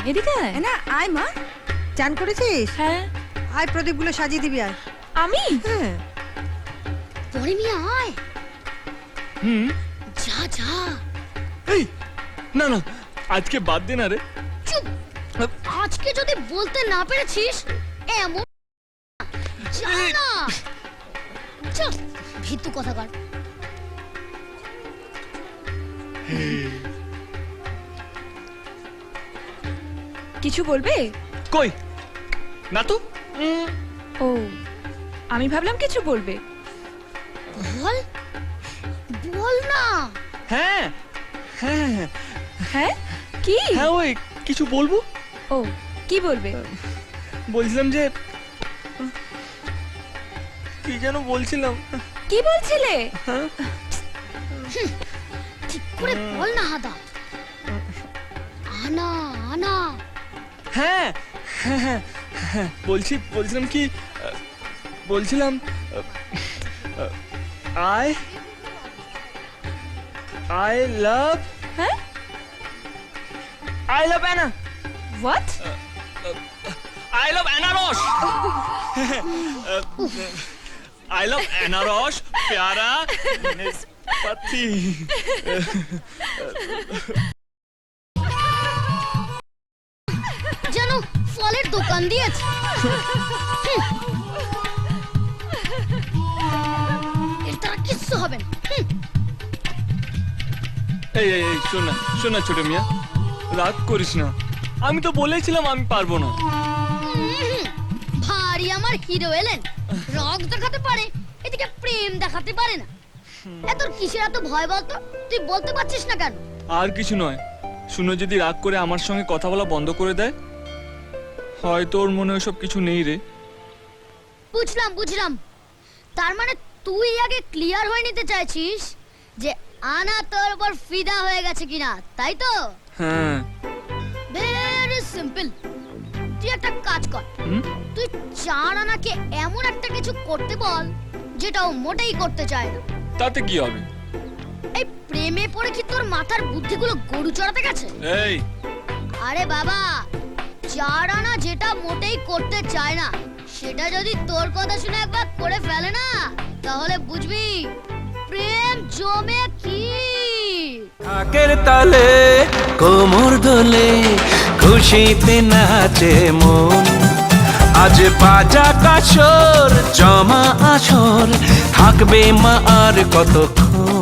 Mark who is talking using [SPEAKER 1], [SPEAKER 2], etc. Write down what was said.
[SPEAKER 1] এদিকে আয়।
[SPEAKER 2] না আয় মা, চান করেছিস?
[SPEAKER 1] হ্যাঁ।
[SPEAKER 2] আয় প্রদীপগুলো সাজিয়ে দিবি আর।
[SPEAKER 1] আমি?
[SPEAKER 2] হ্যাঁ।
[SPEAKER 3] পরে মিয়া আয়। যা যা।
[SPEAKER 4] এই না না, আজকে বাদ দে না রে।
[SPEAKER 3] চুপ। আজকে যদি বলতে না পেরেছিস এমন যা না। চল ভিতু কথাকার।
[SPEAKER 1] কিছু বলবে?
[SPEAKER 4] কই না তো।
[SPEAKER 1] ও, আমি ভাবলাম কিছু বলবে।
[SPEAKER 3] বল বল না।
[SPEAKER 4] হ্যাঁ হ্যাঁ
[SPEAKER 1] হ্যাঁ কি?
[SPEAKER 4] হ্যাঁ, ওই কিছু বলবো।
[SPEAKER 1] ও, কি বলবে?
[SPEAKER 4] বলছিলাম যে, কি যেন বলছিলাম।
[SPEAKER 1] কি বলছিলে?
[SPEAKER 3] ঠিক করে বল না হাদা। আনা আনা।
[SPEAKER 4] হ্যাঁ হ্যাঁ হ্যাঁ হ্যাঁ, বলছিলাম কি, বলছিলাম I love,
[SPEAKER 1] হ্যাঁ?
[SPEAKER 4] I love Anna.
[SPEAKER 1] What?
[SPEAKER 4] I love Anarosh. I love Anarosh, प्यारा पति।
[SPEAKER 3] যেন ফলের দোকান দিয়েছে। এর দ্বারা কিচ্ছু হবে না।
[SPEAKER 4] এই এই এই, শোন না ছোট মিয়া, রাগ করিস না। আমি তো বলেছিলাম আমি পারবো না।
[SPEAKER 3] ভারী আমার হিরো এলেন, রক দেখাতে পারে, এদিকে প্রেম দেখাতে পারে না। এত কিসের এত ভয় বলতো? তুই বলতে পারছিস না কেন?
[SPEAKER 4] আর কিছু নয়, শুনো যদি রাগ করে আমার সঙ্গে কথা বলা বন্ধ করে দেয়, হয়তো ওর মনে ওসব কিছু নেই রে।
[SPEAKER 3] বুঝলাম। তার মানে তুই আগে ক্লিয়ার হয়ে নিতে চাইছিস যে আনা তোর উপর ফিদা হয়ে গেছে কিনা, তাই তো?
[SPEAKER 4] হ্যাঁ।
[SPEAKER 3] Very simple. তুই একটা কাজ কর, তুই চার আনাকে এমন একটা কিছু করতে বল যেটা ও মোটেই করতে চায় না।
[SPEAKER 4] তাতে কি হবে?
[SPEAKER 3] এই প্রেমে পড়ে কি তোর মাথার বুদ্ধিগুলো গরু চড়াতে গেছে?
[SPEAKER 4] এই,
[SPEAKER 3] আরে বাবা, চার আনা যেটা মোটেই করতে চায় না সেটা যদি তোর কথা শুনে একবার করে ফেলে না, তাহলে বুঝবি প্রেম জমে কি।
[SPEAKER 5] ঢাকের তালে কোমর দোলে খুশিতে নাচে মন, আজ বাজা কাসর জমা আসর থাকবে মা আর কতক্ষণ।